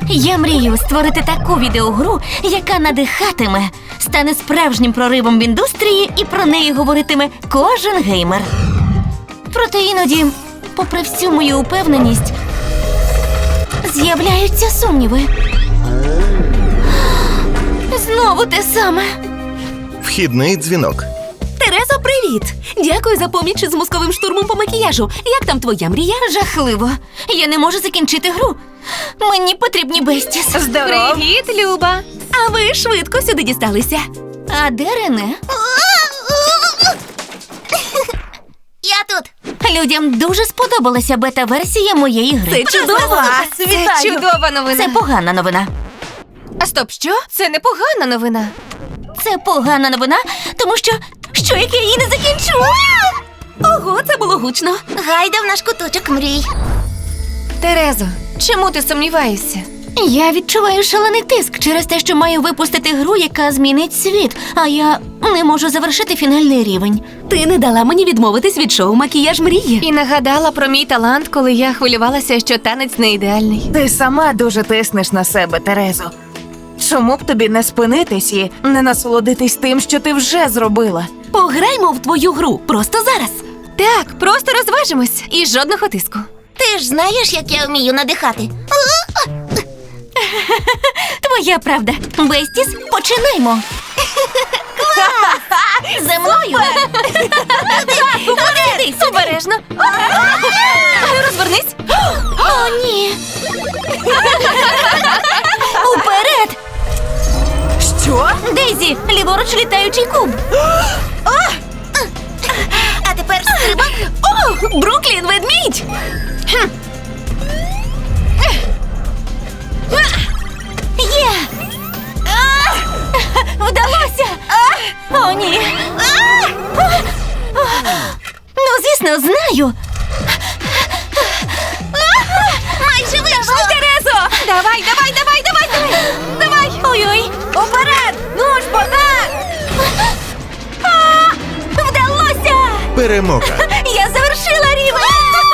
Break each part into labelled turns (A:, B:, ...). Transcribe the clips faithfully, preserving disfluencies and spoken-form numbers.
A: Я мрію створити таку відеогру, яка надихатиме, стане справжнім проривом в індустрії і про неї говоритиме кожен геймер. Проте іноді, попри всю мою упевненість, з'являються сумніви. Знову те саме.
B: Вхідний дзвінок.
C: Терезо, привіт! Дякую за поміч з мозковим штурмом по макіяжу. Як там твоя мрія?
A: Жахливо. Я не можу закінчити гру. Мені потрібні Бестіс.
C: Здорово!
D: Привіт, Люба!
C: А ви швидко сюди дісталися.
A: А де Рене?
E: Я тут.
A: Людям дуже сподобалася бета-версія моєї гри.
C: Це чудово!
D: Це чудова новина.
A: Це погана новина.
D: А стоп, що? Це не погана новина.
A: Це погана новина, тому що... Що, як я її не закінчу?
C: Ого, це було гучно.
E: Гайда в наш куточок мрій.
D: Терезо, чому ти сумніваєшся?
A: Я відчуваю шалений тиск через те, що маю випустити гру, яка змінить світ, а я не можу завершити фінальний рівень.
C: Ти не дала мені відмовитись від шоу «Макіяж мрії».
D: І нагадала про мій талант, коли я хвилювалася, що танець не ідеальний.
F: Ти сама дуже тиснеш на себе, Терезо. Чому б тобі не спинитись і не насолодитись тим, що ти вже зробила?
C: Пограймо в твою гру просто зараз.
D: Так, просто розважимось і жодного тиску.
E: Ти ж знаєш, як я вмію надихати.
A: Твоя правда. Бестіс, починаймо. За мною.
D: Дивись, обережно. Розвернись.
A: О, ні. Уперед!
F: Що?
A: Дейзі, ліворуч літаючий куб.
E: А тепер стрибок.
C: О, Бруклін, ведмідь!
A: Є! Вдалося! О, ні! Ну, звісно, знаю!
E: Майже вийшло.
C: Терезо!
D: Давай, давай, давай, давай, давай. Давай.
A: Ой-ой!
C: Уперед! Ну ж, богдан!
A: Вдалося!
B: Перемога.
A: Я завершила рівень!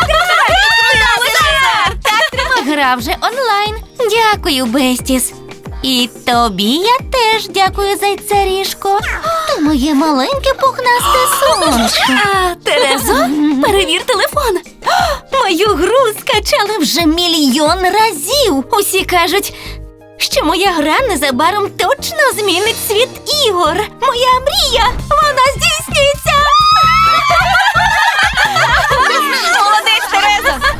A: Гра вже онлайн. Дякую, Бестіс. І тобі я теж дякую, зайцарішко. Ти моє маленьке пухнасте сонечко.
C: А, Терезо, перевір телефон.
A: Мою гру скачали вже мільйон разів. Усі кажуть, що моя гра незабаром точно змінить світ ігор. Моя мрія, вона здійснюється.
D: Молодець, Терезо.